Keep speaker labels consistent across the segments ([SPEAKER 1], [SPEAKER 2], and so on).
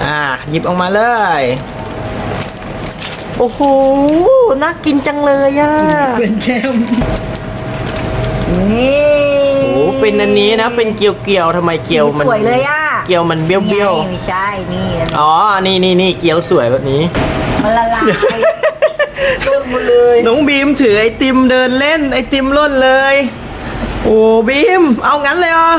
[SPEAKER 1] หยิบออกมาเลยโอ้โหน่ากินจังเลยอ่ะ
[SPEAKER 2] เป็นแก้มนี่
[SPEAKER 1] โอ้เป็นอันนี้นะเป็นเกียวๆทำไมเกียวมัน
[SPEAKER 2] สวยเลยอ่ะ
[SPEAKER 1] เกียวมันเบี้ยว
[SPEAKER 2] ไม่ใช่นี่
[SPEAKER 1] อ๋อนี่เกียวสวยแบบนี้
[SPEAKER 2] มันละลายร่นหมดเลย
[SPEAKER 1] น้องบีมถือไอติมเดินเล่นไอติมร่นเลยโอ้บีมเอางั้นเลยเหรอ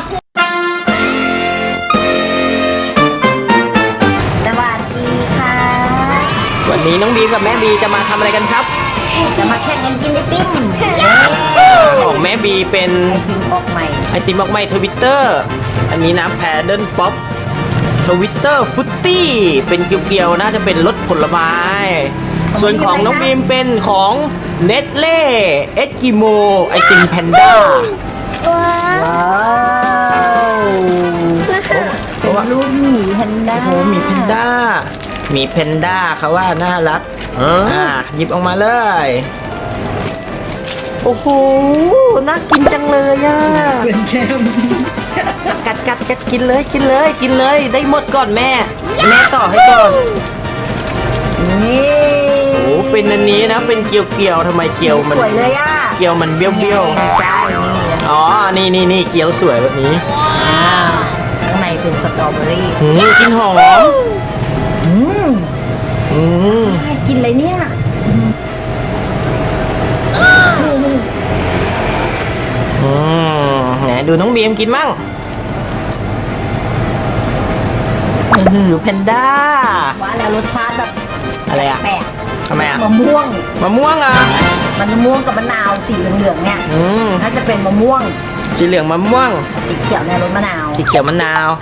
[SPEAKER 2] สวัสดีค่ะ
[SPEAKER 1] วันนี้น้องบีมกับแม่บีจะมาทำอะไรกันครับ
[SPEAKER 2] จะมาแข่งกันกินไอติม
[SPEAKER 1] ของแม่บีเป็นไอติมออกใหม่ทวิตเตอร์อันนี้น้ำแพดเดิลป๊อปทวิตเตอร์ฟุตตี้เป็นเกียวๆน่าจะเป็นรสผลไม้ส่วนของน้องบีมเป็นของเนสเล่เอสกิโมไอติมแพนด้า
[SPEAKER 2] ว้าวลูกหมีแพนด้า
[SPEAKER 1] โอ้หมีแพนด้าหมีแพนด้าเขาว่าน่ารักหยิบออกมาเลยโอ้โหน่ากินจังเลยอ่ะ
[SPEAKER 2] เป็นแก้ม
[SPEAKER 1] กัดกินเลยได้หมดก่อนแม่ต่อให้ก่อน
[SPEAKER 2] นี่
[SPEAKER 1] โอ้เป็นอันนี้นะเป็นเกียวทำไมเกียวมัน
[SPEAKER 2] สวยเลยอ่ะ
[SPEAKER 1] เกียวมันเบี้ยว
[SPEAKER 2] ใช่
[SPEAKER 1] อ๋อนี่เกียวสวยแบบนี้
[SPEAKER 2] ข้างในเป็นสตรอเบอรี่
[SPEAKER 1] กินหอม
[SPEAKER 2] กินอะไรเนี่ย
[SPEAKER 1] ไหนดูน้องบีมกินมั่งแพนด้า
[SPEAKER 2] ว่าแล้วรสชาติแบบ
[SPEAKER 1] อะไรอะ
[SPEAKER 2] แปลก
[SPEAKER 1] ทำไมอะ
[SPEAKER 2] มะม่วง
[SPEAKER 1] อ่ะ
[SPEAKER 2] มันมะม่วงกับมะนาวสีเหลืองๆเนี่ยน่าจะเป็นมะม่วง
[SPEAKER 1] สีเหลืองมะม่วง
[SPEAKER 2] สีเขียวในรสมะนาว
[SPEAKER 1] สีเขียวมะนาว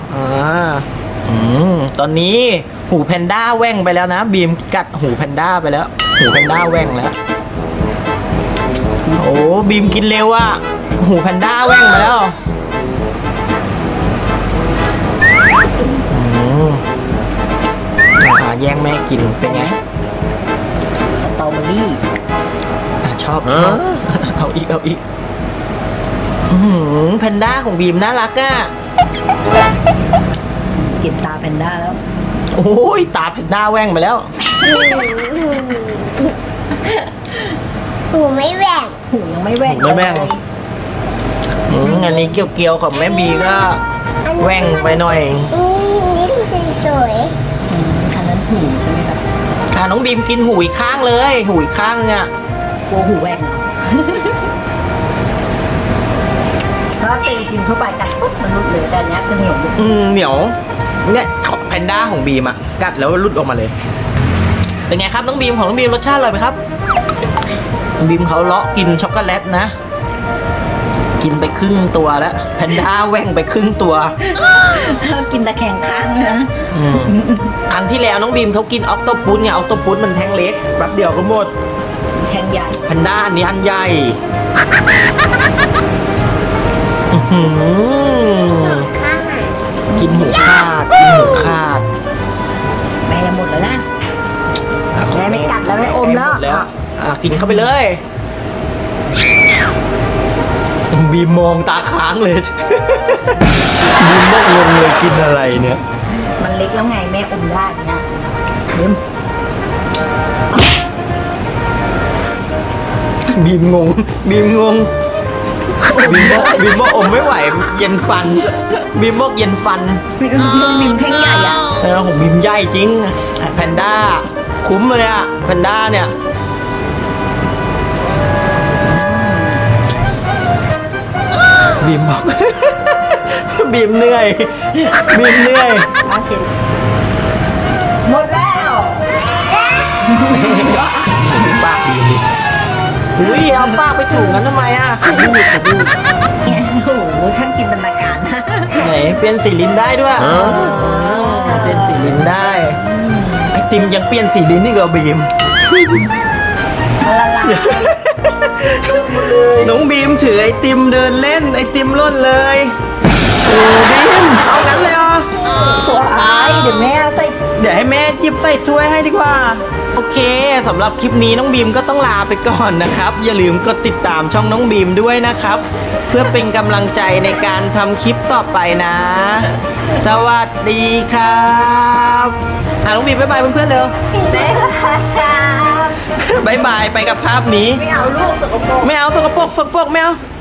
[SPEAKER 1] ตอนนี้หูแพนด้าแว่งไปแล้วนะบีมกัดหูแพนด้าไปแล้วหูแพนด้าแว่งแล้วโอ้บีมกินเร็วอะหูแพนด้าแว่งมาแล้วแย่งแม่กินเป็นไง
[SPEAKER 2] สตรอเบอรี่
[SPEAKER 1] ชอบเอาอีกแพนด้าของบีมน่ารักอ่ะ
[SPEAKER 2] กินตาแพนด้าแล้ว
[SPEAKER 1] โอ้ยตาแพนด้าแว่งไปแล้ว
[SPEAKER 3] หูไม่แหว่ง
[SPEAKER 2] หูยังไม่แหว่ง
[SPEAKER 1] อันนี้เกียวของแม่บีก็แว่งไปหน่อย
[SPEAKER 3] นี่ดูสวย
[SPEAKER 2] อันนั้นหูใช่ไหมครับ
[SPEAKER 1] น้องบีมกินหูอีกข้างเลยหูอีกข้างเนี่ย
[SPEAKER 2] กลัวหูแหว่งถ้าตีกินทั่วไปกัดปุ๊บมันรุดเลยแต่อันนี้จะเหนียว
[SPEAKER 1] เหนียวเนี่ยของแพนด้าของบีมอะกัดแล้วรุดออกมาเลยเป็นไงครับน้องบีมของน้องบีมรสชาติอร่อยไหมครับบีมเขาเลาะกินช็อกโกแลตนะกินไปครึ่งตัวแล้วแพนด้าแว่งไปครึ่งตัว
[SPEAKER 2] กินตะแคงข้างนะ
[SPEAKER 1] ครั้งที่แล้วน้องบีมเขากินออกโตปุสไงออกโตปุสมันแท่งเล็กแป๊บเดียวก็หมด
[SPEAKER 2] แท่งใหญ่
[SPEAKER 1] แพนด้าอันนี้อันใหญ่กินหูขาด
[SPEAKER 2] แม่จะหมดแล้วนะแม่ไม่กัดแล้วไม่อมแล้ว
[SPEAKER 1] กินเข้าไปเลยบีมมองตาค้างเลยบีมบอกงงเลยกินอะไรเนี่ย
[SPEAKER 2] มันเล็กแล้วไงแม่อมได้เนี่ย
[SPEAKER 1] บีมงงบีมบอกอมไม่ไหวเย็นฟันบีมบอกเย็นฟัน
[SPEAKER 2] บีมแท่งใหญ่อะ
[SPEAKER 1] ของบีมใหญ่จริงแพนด้าคุ้มเลยอะแพนด้าเนี่ยบีมบอกบีมเหนื่อย
[SPEAKER 2] หมดแล้ว
[SPEAKER 1] ปากบีมอุ้ยเอาปากไปถูกันทำไมอ่ะขดูด
[SPEAKER 2] โอ้โหช่างจินตนาการ
[SPEAKER 1] ไหนเปลี่ยนสีลิ้นได้ด้วยเปลี่ยนสีลิ้นได้ไอติมยังเปลี่ยนสีลิ้นนี่ก็บีม
[SPEAKER 2] ละลาย
[SPEAKER 1] น้องบีมถือไอติมเดินเล่นไอติมร่นเลยโอ้บีมเอางั้นเลยเหรอ
[SPEAKER 2] เดี๋ยวแม่ใส่
[SPEAKER 1] เดี๋ยวให้แม่หยิบใส่ถ้วยให้ดีกว่าโอเคสำหรับคลิปนี้น้องบีมก็ต้องลาไปก่อนนะครับอย่าลืมกดติดตามช่องน้องบีมด้วยนะครับเพื่อเป็นกำลังใจในการทำคลิปต่อไปนะสวัสดีครับบีบายบายเพื่อนๆเร็ว
[SPEAKER 2] เบ๊ครับ
[SPEAKER 1] บายบายไปกับภาพนี้
[SPEAKER 2] ไม่เอาลูกสกปรก
[SPEAKER 1] ไม่เอาสกปรกไม่เอา